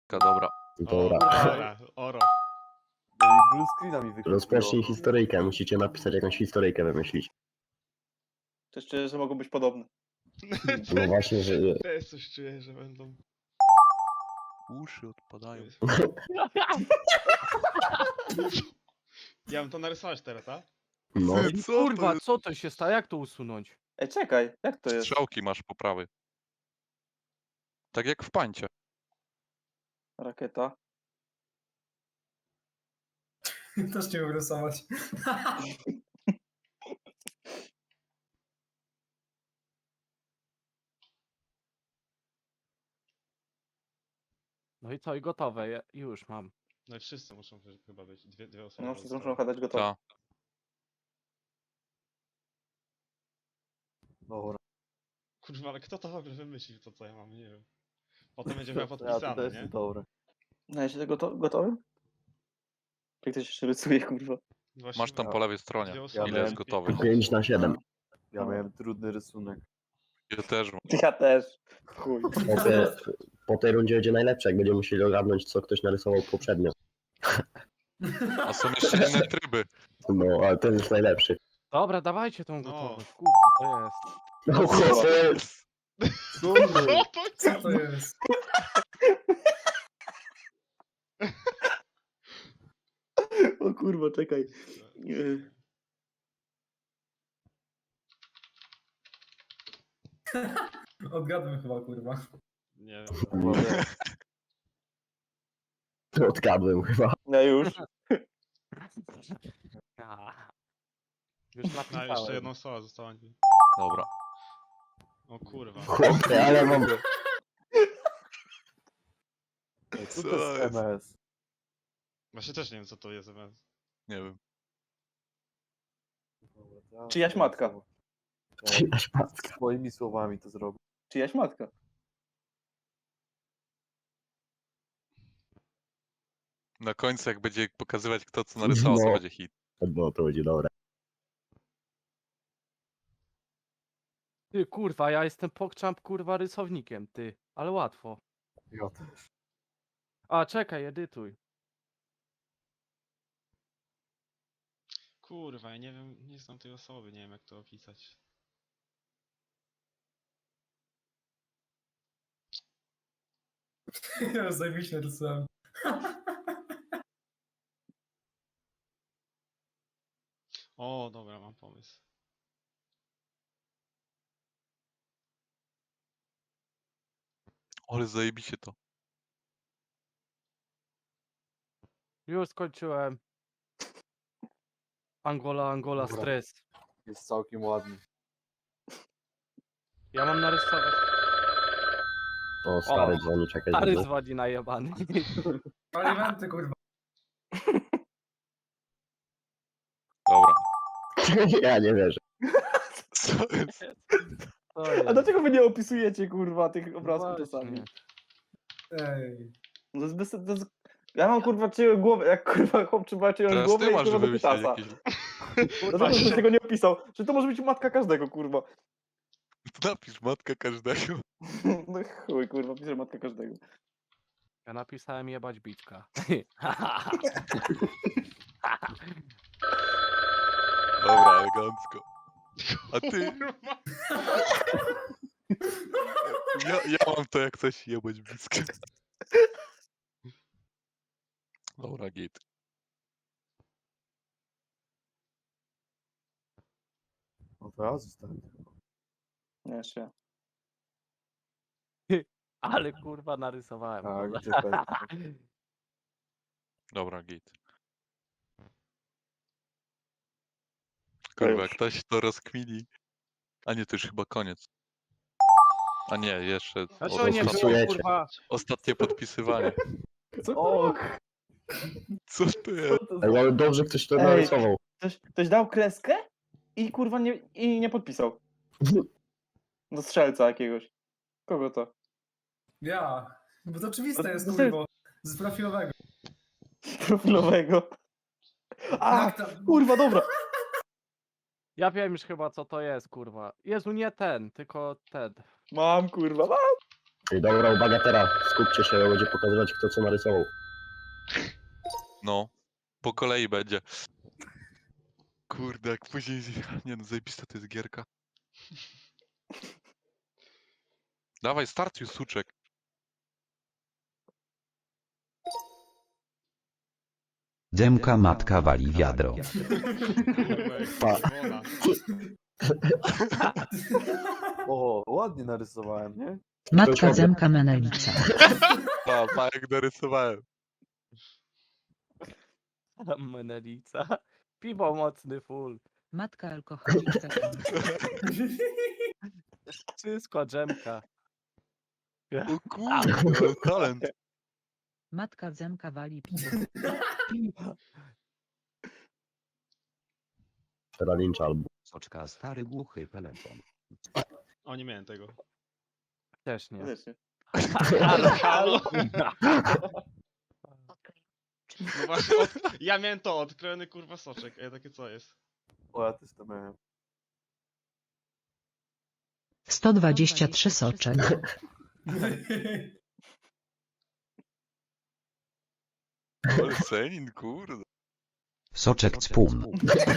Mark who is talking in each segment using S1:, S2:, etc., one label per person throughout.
S1: Dobra.
S2: Dobra.
S3: Dobra, oro.
S4: No i blue screena mi wychodziło.
S2: Rozpocznij historyjkę, musicie napisać jakąś historyjkę wymyślić.
S5: Też czuję, że mogą być podobne.
S2: No właśnie, że...
S3: Też coś czuję, że będą...
S1: Uszy odpadają.
S3: Ja bym to narysować teraz, tak?
S2: No,
S1: Co
S6: Kurwa,
S1: to
S6: co to się stało? Jak to usunąć?
S5: Ej, czekaj, jak to jest?
S1: Strzałki masz po prawej. Tak jak w pańcie.
S5: Rakieta.
S7: Też nie umiem rysować.
S6: No i co, i gotowe, już mam.
S3: No i wszyscy muszą chyba być. Dwie osoby.
S5: No, wszyscy muszą
S3: zostały.
S5: chyba dać gotowe.
S1: Ta.
S4: Dobra.
S3: Kurwa, ale kto to w ogóle wymyślił to, co ja mam? Nie wiem. Potem będzie miał
S4: Ja to
S3: podpisane,
S4: też
S3: nie?
S4: jest dobre.
S5: No, jesteś gotowy? Jak ktoś jeszcze rysuje, kurwa.
S3: Właśnie
S1: Masz tam po lewej stronie.
S3: dwie osoby.
S1: Ile jest
S3: Ja
S1: gotowych?
S2: 5/7.
S4: Ja miałem trudny rysunek.
S1: Ja też mam.
S5: Ja też. Chuj.
S2: Po tej rundzie będzie najlepsze, jak będziemy musieli ogarnąć, co ktoś narysował poprzednio.
S1: A są jeszcze inne tryby.
S2: No, ale ten jest najlepszy.
S6: Dobra, dawajcie tą
S3: No.
S6: gotowość, kurwa, to jest.
S2: No, to jest...
S4: Co
S3: Co
S4: wy?
S3: to
S7: Co to jest?
S5: O kurwa, czekaj.
S7: Odgadłem chyba, kurwa.
S3: Nie
S4: Chyba wiem.
S2: Odgadłem chyba.
S5: No już.
S6: A. Już
S3: No,
S6: napisałem.
S3: jeszcze jedna osoba została.
S1: Dobra.
S3: O kurwa.
S2: Chłopie, ale mam...
S4: Ej, co
S1: Co
S4: to jest
S1: jest?
S4: MS?
S3: Właśnie też nie wiem, co to jest MS.
S1: Nie wiem.
S4: Dobra, to ja-
S5: Czyjaś matka.
S2: Czyjaś matka.
S4: Swoimi słowami to zrobię.
S5: Czyjaś matka.
S1: Na końcu jak będzie pokazywać kto co narysował, to
S2: No.
S1: będzie hit.
S2: No, to będzie dobre.
S6: Ty, kurwa, ja jestem pokczamp, kurwa, rysownikiem, ty. Ale łatwo.
S4: Ja też.
S6: A, czekaj, edytuj.
S3: Kurwa, ja nie wiem, nie znam tej osoby, nie wiem jak to opisać.
S7: Ja już zajebiście rysowałem.
S3: O, dobra, mam pomysł.
S1: Ale zajebicie to.
S6: Już skończyłem. Angola,
S4: Dobra.
S6: stres.
S4: Jest całkiem ładny.
S6: Ja mam narysować.
S2: O, stary dzwoni, czekaj.
S6: Stary
S2: znowu.
S6: dzwoni najebany.
S7: Alimenty, kurwa.
S1: Dobra.
S2: Ja nie wierzę.
S1: Co jest?
S6: To
S5: A
S6: jest.
S5: dlaczego wy nie opisujecie, kurwa, tych obrazków
S6: Właśnie.
S5: czasami?
S7: Ej.
S5: No to jest bez... to jest... Ja mam, kurwa, czyjąś głowę, jak, kurwa, chłop trzeba czyjąś
S1: Teraz
S5: głowę
S1: ty
S5: i,
S1: masz
S5: kurwa, do
S1: wymyślić
S5: pytasa.
S1: jakieś...
S5: Dlaczego ktoś tego nie opisał? Że to może być matka każdego, kurwa.
S1: Napisz matka każdego.
S5: No chuj, kurwa, piszę matka każdego.
S6: Ja napisałem jebać biczka.
S1: Dobra, elegancko. A ty?
S3: Kurwa.
S1: Ja mam to jak coś jebać blisko. Dobra, git.
S4: No to ja zostałem.
S5: Nie, jeszcze ja.
S6: Ale kurwa narysowałem.
S4: Tak,
S6: kurwa.
S4: gdzie pewnie.
S1: Dobra, git. Kurwa, jak
S5: już.
S1: ktoś to rozkmini. A nie, to już chyba koniec. A nie, jeszcze
S6: A co nie było,
S2: Odpisujecie.
S6: kurwa?
S1: ostatnie podpisywanie.
S5: O,
S1: Co to jest?
S2: Ej, ale dobrze ktoś to
S5: Ej.
S2: narysował.
S5: ktoś dał kreskę i, kurwa, nie podpisał. Do strzelca jakiegoś. Kogo to?
S7: Ja. Bo to oczywiste jest,
S5: No,
S7: kurwa. Z profilowego.
S5: Profilowego. A,
S7: Jak tam?
S5: kurwa, dobra.
S6: Ja wiem już chyba co to jest, kurwa. Jezu, nie ten, tylko ten.
S5: Mam, kurwa, mam.
S2: Ej, dobra, uwaga teraz, skupcie się, będzie pokazywać kto co narysował.
S1: No, po kolei będzie. Kurde, jak później... Nie no, zajebista to jest gierka. Dawaj, start już, suczek.
S8: Demka matka wali wiadro.
S3: Kurwa, jak
S2: Pa.
S3: czerwona.
S4: O, ładnie narysowałem, nie?
S2: Matka
S9: Zemka Menelica.
S1: Pa, jak narysowałem.
S6: Menelica. Piwo mocny full.
S9: Matka alkoholiczka.
S6: Wszystko dżemka.
S1: O kurde, ale talent.
S9: Matka Zemka wali piwo.
S2: Teraz lincz albo.
S8: Soczka stary głuchy telefon.
S3: O, nie miałem tego.
S6: Też nie.
S5: Też nie.
S3: Halo, halo. No właśnie, ja miałem to, odkrojony kurwa soczek. Ej, takie co jest?
S4: O, ja też to miałem.
S9: 123 soczek.
S1: Ale senin, kurde.
S8: Soczek cpun.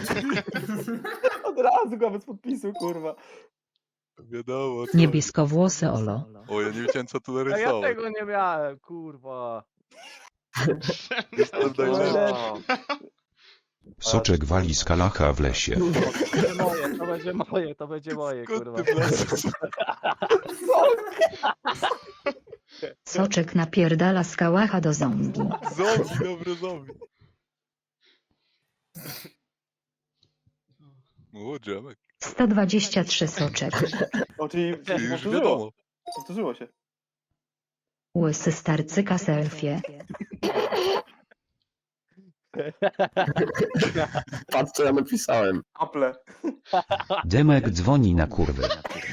S5: Od razu go bez podpisu, kurwa.
S1: Wiadomo. co.
S9: Niebieskowłosy Olo.
S1: O, ja nie wiedziałem co tu
S6: A ja
S1: narysować.
S6: tego nie miałem, kurwa.
S1: Jestem tak, że...
S4: O,
S8: Soczek wali z kalacha w lesie.
S6: To będzie moje, to będzie moje, kurwa.
S1: Skąd ty wlazłeś?
S9: Soczek napierdala z kałacha do zombie.
S1: Zombie, dobre zombie. O, Dżemek.
S9: 123 soczek.
S5: O, czyli
S1: Już
S5: powtórzyło.
S1: wiadomo.
S5: Powtórzyło się.
S9: Łysy starcyka selfie.
S2: Patrz co ja napisałem.
S5: Apple.
S8: Demek dzwoni na kurwy.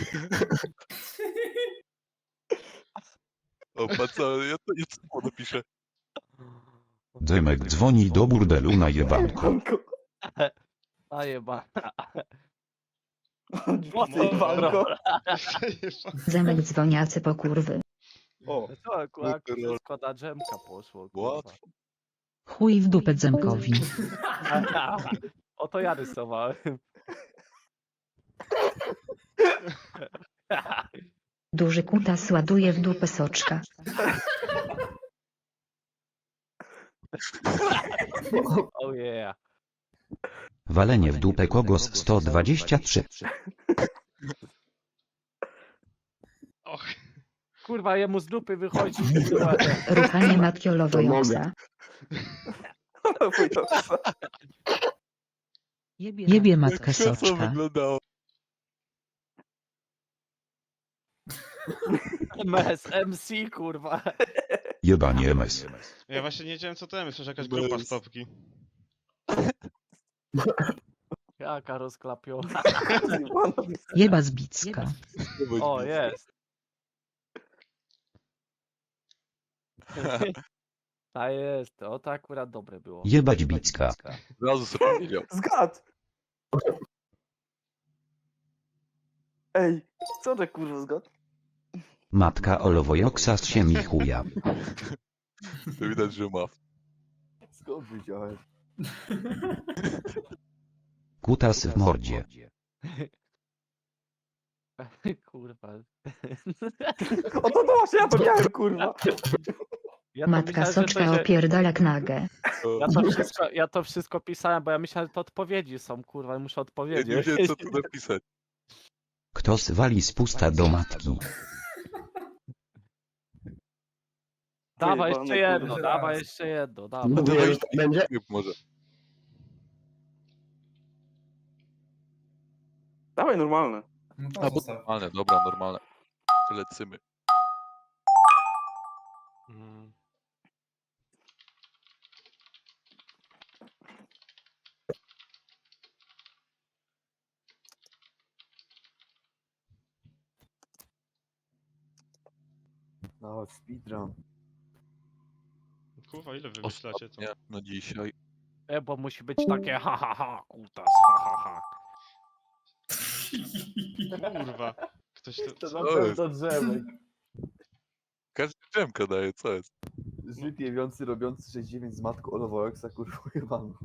S1: O, pa co, ja to samo napiszę.
S8: Demek dzwoni do burdelu na jebanku.
S6: A jeba.
S5: Walko.
S9: Zemek dzwoniacy po kurwy.
S5: O,
S6: To akurat wszystko na dżemka poszło, kurwa.
S1: Łatwo.
S9: Chuj w dupę Zemkowi.
S6: O to ja rysowałem.
S9: Duży kutas ładuje w dupę soczka.
S6: Oh yeah.
S8: Walenie w dupę kogos 123.
S3: Och,
S6: Kurwa, jemu z dupy wychodzi.
S9: Ruchanie matkiolowo joksa. Jebie matkę
S1: Jak krzesło
S9: soczka.
S1: wyglądało.
S6: MS, MC, kurwa.
S8: Jebanie MS.
S3: ja właśnie nie wiedziałem co to jest, że jakaś
S1: Bez.
S3: grupa stopki.
S6: Jaka rozklapiona.
S9: Jeba zbicka.
S6: O, jest. Ta jest, o to akurat dobre było.
S8: Jebać bicka.
S1: Od razu sobie powiedział.
S5: Zgad! Ej, co to kurwa zgad?
S8: Matka olowojoksa z siemi chuja.
S1: To widać, że ma.
S4: skąd wiedziałeś?
S8: Kutas w mordzie.
S6: Kurwa.
S5: O to właśnie ja to miałem, kurwa.
S6: Ja to
S9: Matka
S6: myślałem, że to
S9: soczka
S6: się-
S9: opierdala knagę.
S6: Ja to wszystko pisałem, bo ja myślałem, że to odpowiedzi są, kurwa, i muszę
S1: Ja nie
S6: odpowiedzieć.
S1: wiedziałem co tu napisać.
S8: Kto zwali z pusta do matki?
S6: Dawaj
S5: Pojebane,
S6: jeszcze jedno,
S5: kurwa.
S6: dawaj jeszcze jedno, dawaj.
S2: Mówiłem, że tak będzie.
S1: Może.
S5: Dawaj normalne.
S7: No to
S1: A, bo
S7: zostaw.
S1: normalne, dobra, normalne. Lecimy.
S3: Mm.
S4: No, speedrun.
S3: Kurwa, ile wymyślacie to?
S1: Ostatnie na dzisiaj.
S6: Bo musi być takie ha ha ha, kutas, ha ha ha.
S3: Kurwa. Ktoś to...
S6: To
S3: co?
S6: na pewno drzemek.
S1: Dżemka daje, co jest?
S4: Żyd jewiący robiący 69 z matką Olowojoksa, kurwa jebany.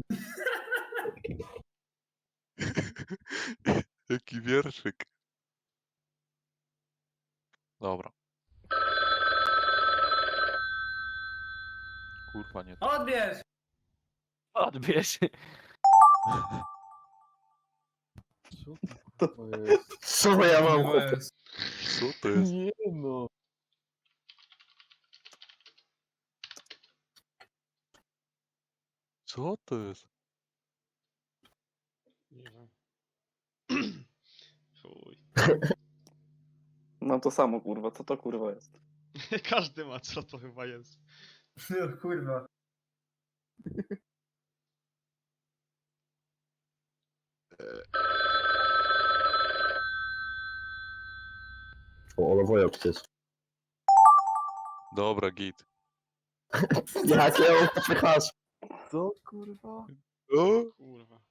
S1: Jaki wierszyk. Dobra. Kurwa, nie to.
S7: Odbierz!
S6: Odbierz.
S4: Co to jest?
S2: Co ja mam,
S7: To
S2: chłopie?
S7: jest.
S1: Co to jest?
S4: Nie no.
S1: Co to jest?
S3: Nie wiem. Chuj.
S5: No to samo kurwa, co to kurwa jest?
S3: Każdy ma, co to chyba jest.
S7: No kurwa.
S2: O, Olowojok to jest.
S1: Dobra, git.
S2: Jak ja mam popychasz?
S4: Co kurwa?
S1: O!
S3: Kurwa.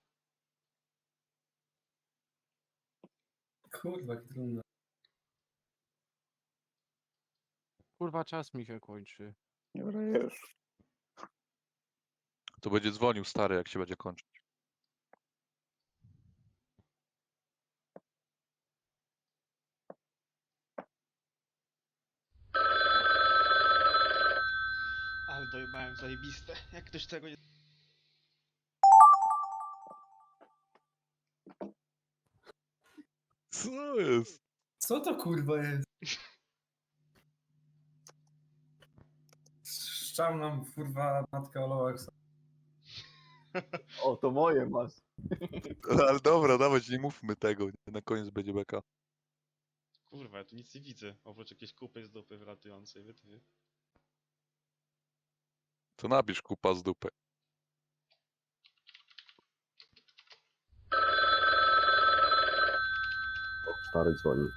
S7: Kurwa, jak trudno.
S6: Kurwa, czas mi się kończy.
S5: Dobra, już.
S1: To będzie dzwonił stary, jak się będzie kończyć.
S3: Ale dojebałem zajebiste. Jak ktoś tego nie...
S1: Co jest?
S7: Co to kurwa jest? Szczał nam kurwa matkę Oloweksa.
S4: O, to moje masz.
S1: Ale dobra, dawać, nie mówmy tego. Na koniec będzie beka.
S3: Kurwa, ja tu nic nie widzę. Oprócz jakiejś kupy z dupy wylatującej, ty.
S1: To napisz kupa z dupy.
S2: O, stary dzwoni.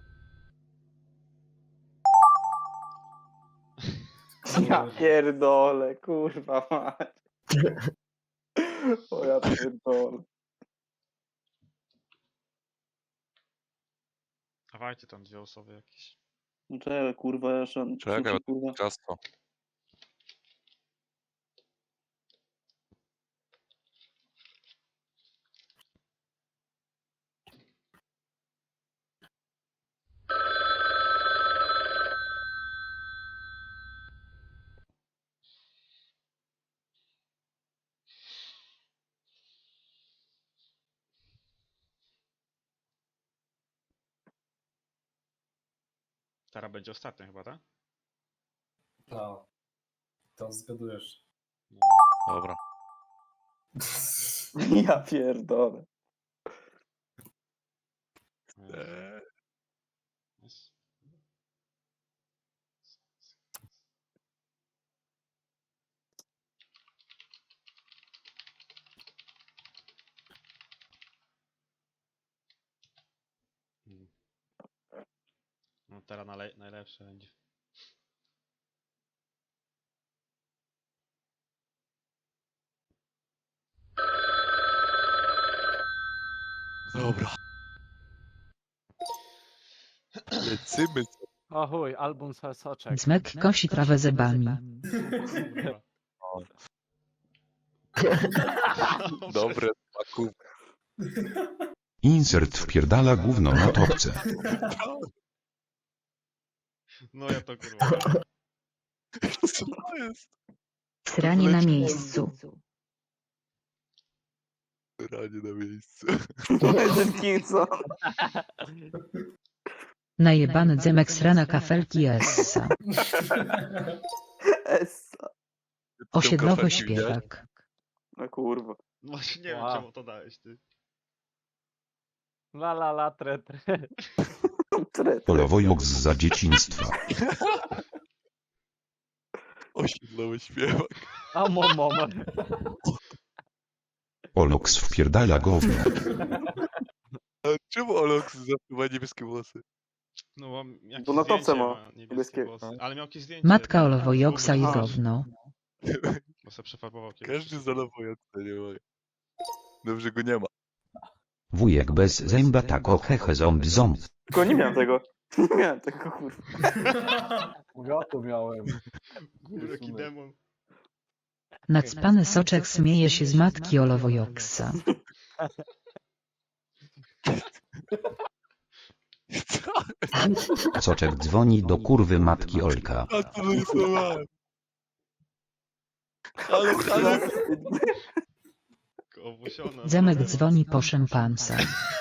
S5: Ja pierdolę, kurwa mać. O ja pierdolę.
S3: Dawajcie tam dwie osoby jakieś.
S5: No czekaj, kurwa, jeszcze...
S1: Czekaj,
S5: kurwa.
S1: ciasto.
S3: Teraz będzie ostatnia chyba, tak?
S7: No. To zgadujesz.
S3: No.
S1: Dobra.
S5: Ja pierdolę.
S3: Jest. Mm. No teraz najlepsze będzie.
S1: Dobra. Lecimy.
S6: O chuj, album soczek.
S9: Zmek kosi trawę zębami.
S3: Kurwa.
S1: Dobre smaku.
S8: Insert wpierdala gówno na topce.
S3: No ja to kurwa.
S1: Co to jest?
S9: Sranie na miejscu.
S1: Ranie na miejscu.
S5: Dickinson.
S9: Najebany dzemek srana kafelki essa.
S5: Essa.
S9: Osiedlowy śpiewak.
S5: No kurwa.
S3: Właśnie nie wiem
S6: Wow.
S3: czemu to dałeś ty.
S6: La la la tre tre.
S8: Olowojok za dzieciństwa.
S1: Osiedlowy śpiewak.
S6: A mom.
S8: Oloks wpierdala gówno.
S1: A czemu Olox zawsze ma niebieskie włosy?
S3: No bo jakieś
S5: Bo na topce
S3: zdjęcie
S5: ma
S3: niebieskie
S5: niebieskie.
S3: włosy. Ale miał jakieś zdjęcie.
S9: Matka
S3: tam,
S9: Olowojoksa i
S3: zgubił twarz,
S9: gówno.
S3: Bo sobie przefarbował kiedyś.
S1: Każdy zalowuje, to nie mogę. Dobrze go nie ma.
S8: Wujek bez zęba tako hehe ząb ząb.
S5: Tylko nie miałem tego. Nie miałem tego kurwa.
S4: Ja to miałem.
S3: Kurwa, jaki demon.
S9: Nacpany soczek śmieje się z matki Olowojoksa.
S8: Soczek dzwoni do kurwy matki Olka.
S1: A to narysowałem. Ale...
S3: Owłosiona.
S9: Zemek dzwoni po szympansa.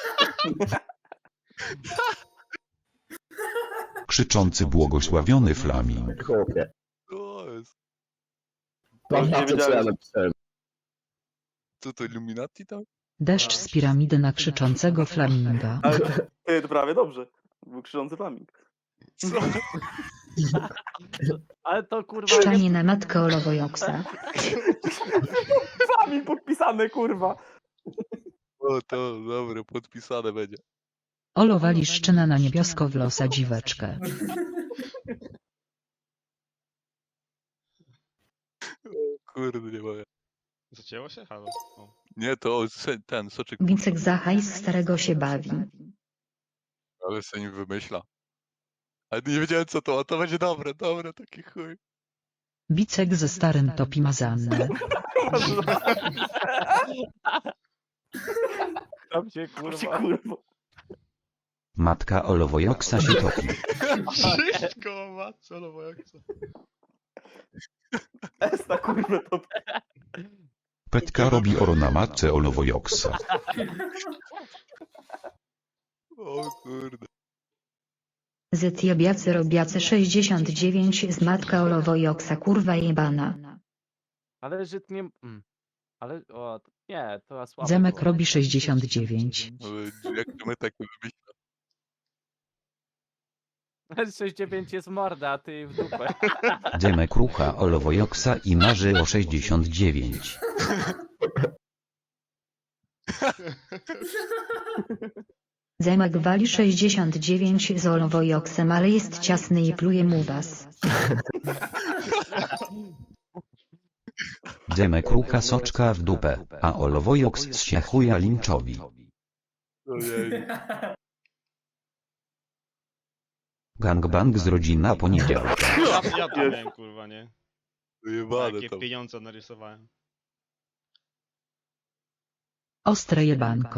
S8: Krzyczący błogosławiony flaming.
S2: Chłopie.
S1: To jest...
S2: Patrz na to, co ja napisałem.
S1: Co to, Illuminati tam?
S9: Deszcz z piramidy na krzyczącego flaminga.
S5: Ale ty, to prawie dobrze. Był krzyczący flaming.
S1: Co?
S6: Ale to kurwa...
S9: Szczanie na matkę Olowojoksa.
S5: Flaming podpisany, kurwa.
S1: O, to dobre, podpisane będzie.
S9: Olo wali szczena na niebiosko w losa dziweczkę.
S1: Kurde, nie mogę.
S3: Zacięło się? Halo? O.
S1: Nie, to ten soczek...
S9: Wicek za hajs starego się bawi.
S1: Ale sobie nim wymyśla. Ale nie wiedziałem co to, a to będzie dobre, taki chuj.
S9: Wicek ze starym topi mazannę.
S6: Tam się kurwa...
S8: Matka Olowojoksa się topi.
S3: Wszystko ma, co no jak co?
S5: Esta, kurwa, to...
S8: Petka robi oro na matce Olowojoksa.
S1: O kurde.
S9: Zetjabiacy robiacy 69 z matka Olowojoksa kurwa jebana.
S6: Ale Żyd nie... Ale... O, nie, to słabo.
S9: Zemek
S6: było.
S9: robi 69.
S1: Ale jak to my tak wymyślimy?
S6: Ale 6-9 jest morda, a ty w dupę.
S8: Demek rucha Olowojoksa i marzy o 69.
S9: Zemek wali 69 z Olowojoksem, ale jest ciasny i pluje mu was.
S8: Demek rucha soczka w dupę, a Olowojoks zsiachuje linczowi.
S1: Ojej.
S8: Gangbang z rodzina poniedziałka.
S3: Ja to miałem, kurwa, nie?
S1: Wyjebane
S3: Jakie
S1: to.
S3: pieniądze narysowałem.
S9: Ostre jebanko.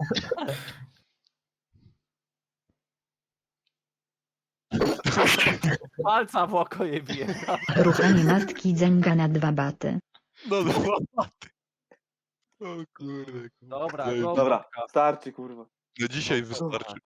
S6: Palca w oko je bije.
S9: Ruchanie matki dzęga na 2 baty.
S1: No łaty. O kurde.
S6: Dobra,
S1: Ej,
S6: go,
S5: Dobra,
S6: Wodka.
S5: starczy, kurwa.
S1: Na dzisiaj wystarczy.